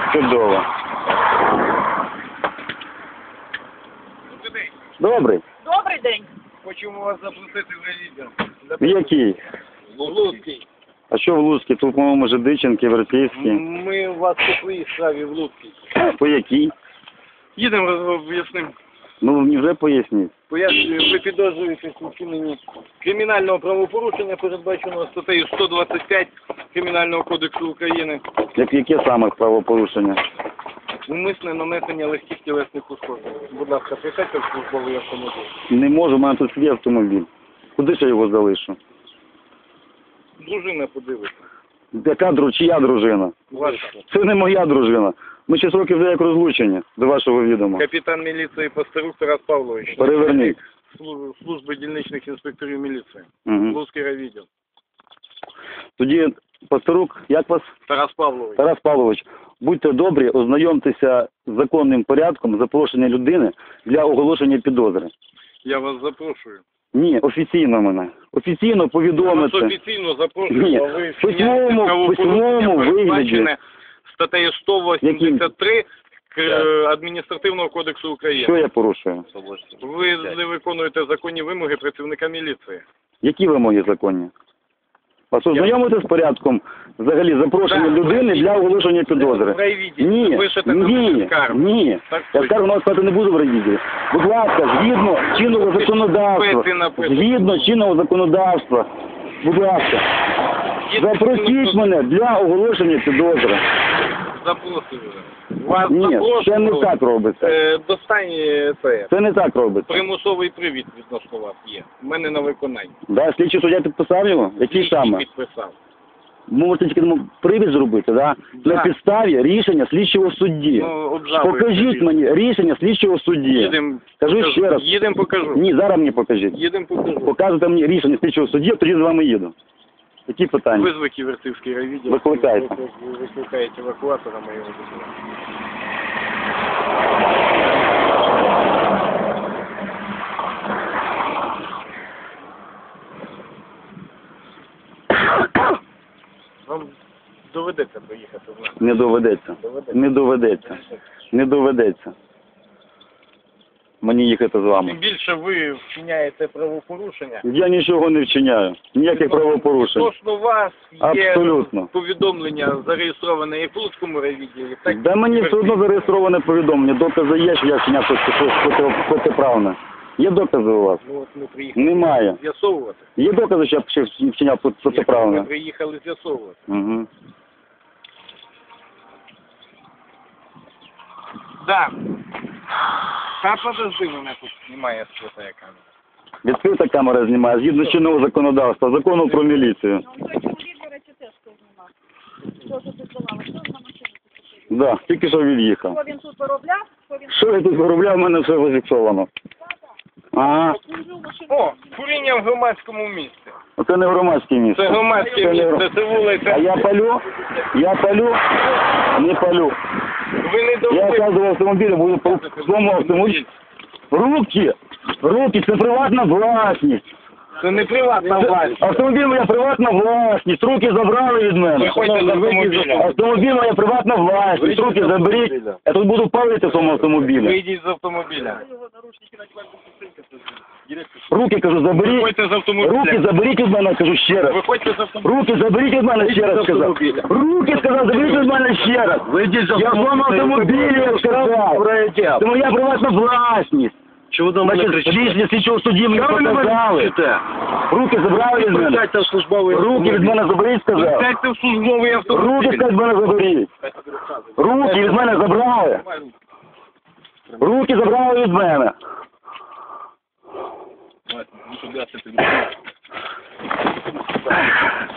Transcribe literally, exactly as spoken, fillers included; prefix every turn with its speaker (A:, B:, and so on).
A: Чудово. Добрий.
B: Добрий день.
C: Хочемо вас запросити в ревізію.
A: В який?
C: В Луцький.
A: А що в Луцькій? Тут, по-моєму, Жидиченки, Європейський.
C: Ми у вас по своїй справі в Луцький.
A: По якій?
C: Їдемо, об'яснимо.
A: Ну, мені вже поясніть.
C: Пояснюю, ви підозрюєтесь у вчиненні кримінального правопорушення, передбаченого статтею сто двадцять п'ять Кримінального кодексу України.
A: Як, яке саме правопорушення?
C: Умисне нанесення легких тілесних ушкоджень. Будь ласка, присядьте в службовий автомобіль.
A: Не можу, у мене тут свій автомобіль. Куди ж я його залишу?
C: Дружина подивиться.
A: Яка дру... Чия дружина?
C: Ваша.
A: Це не моя дружина. Ми шість років вже як розлучені, до вашого відома.
C: Капітан міліції Пастерук Тарас Павлович.
A: Переверніть.
C: Служби, служби дільничних інспекторів міліції.
A: Угу.
C: Луцький райвідділ.
A: Тоді, Пастерук, як вас?
C: Тарас Павлович.
A: Тарас Павлович, будьте добрі, ознайомтеся з законним порядком запрошення людини для оголошення підозри.
C: Я вас запрошую.
A: Ні, офіційно мене. Офіційно
C: Я вас
A: повідомити.
C: офіційно запрошую,
A: Ні,
C: а ви
A: в письмовому- в письмовому вигляді.
C: статтею сто вісімдесят три К- Адміністративного кодексу
A: Що
C: України.
A: я порушую?
C: Ви не виконуєте законні вимоги працівника міліції.
A: Які вимоги законні? Вас ознайомити з порядком взагалі запрошення
C: Так,
A: людини
C: ви-
A: для оголошення підозри?
C: В райвідділі.
A: Ні,
C: Пишете на
A: ні,
C: скаргу.
A: ні.
C: Так
A: Я
C: точно.
A: скаргу на вас писати не буду в райвідділі. Будь ласка, згідно чинного
C: Ви ж
A: законодавства,
C: пити написано.
A: згідно чинного законодавства, будь ласка, запросіть мене для оголошення підозри.
C: Запросили. Вас
A: Ні,
C: запрошую.
A: це не так робиться.
C: Е, Достань це.
A: Це не так робиться.
C: Примусовий привід відносно вас є. У мене на виконанні.
A: Да, слідчий суддя підписав його? Який
C: Слідчий
A: саме?
C: підписав.
A: Можете тільки тому привід зробити, да?
C: Да.
A: На підставі рішення слідчого судді.
C: Ну, обжалуйте.
A: Покажіть мені рішення слідчого судді.
C: Їдемо.
A: Кажу
C: покажу.
A: ще раз.
C: Їдемо, покажу.
A: Ні, зараз мені покажіть.
C: Їдемо, покажу.
A: Показуйте мені рішення слідчого судді, тоді з вами їду. Які питання?
C: Визвик Ківерцівський райвідділ.
A: Викликайте.
C: Ви викликаєте евакуатора моєго документа. Вам доведеться доїхати в нас.
A: Не доведеться.
C: Доведеться.
A: Не доведеться. Не доведеться. Мені їхати з
C: Тим
A: вами.
C: більше ви вчиняєте правопорушення.
A: Я нічого не вчиняю. Ніяких правопорушень.
C: Відносно вас є
A: Абсолютно.
C: повідомлення зареєстроване як в Луцькому райвідділі, так і
A: Да мені все одно зареєстроване повідомлення. Докази є, що я вчиняв щось щось проти- протиправне. Є докази у вас?
C: Ну, от ми приїхали
A: Немає.
C: з'ясовувати.
A: Є докази, що я вчи- вчиняв проти-
C: Ми
A: протиправне?
C: приїхали з'ясовувати.
A: Угу.
C: Да. Та подожди, мене тут знімає свята камера.
A: Відкрита камера знімає, згідно чинного законодавства, закону про міліцію.
B: Ну, той чоловік, до речі, теж хто знімав. Що тут відбувало? Що на машині тут?
A: Да, тільки що від'їхав.
B: Що він тут виробляв? Що він
A: Що я тут виробляв, в мене все зафіксовано. Ага,
B: служив машину?
C: О, куріння в громадському місці.
A: оце не громадське місце.
C: Це громадське
A: Це не
C: місце,
A: гром-
C: це вулиця.
A: А я палю? Я палю? Не палю.
C: Ви не
A: Я
C: довели.
A: оказываю автомобіль, буду по своєму автомобілю. Руки! Руки, це приватна власність.
C: Це не приватна
A: Це-
C: власність.
A: Автомобіль моя приватна власність. Руки забрали від мене.
C: Виходьте з автомобіля.
A: Автомобіль моя приватна власність. Руки заберіть. Я тут буду палити в цьому автомобілі.
C: Вийдіть з автомобіля.
A: Руки, кажу, заберіть.
C: Виходьте з автомобіля.
A: Руки заберіть від мене, кажу ще раз.
C: Виходьте з автомобіля.
A: Руки заберіть від мене ще раз, сказав. Руки, сказав, заберіть від мене ще раз.
C: Вийдіть з
A: Я в своєму автомобілі, я сказав. Це моя приватна власність.
C: Чого до
A: Значить, рішення слідчого судді мені показали. Руки забрали від мене.
C: в службовий
A: Руки від мене заберіть, сказав.
C: Сядьте в службовий
A: Руки,
C: автомобіль.
A: сказав, від мене заберіть. Руки від мене забрали. Руки забрали від мене.
C: Ну,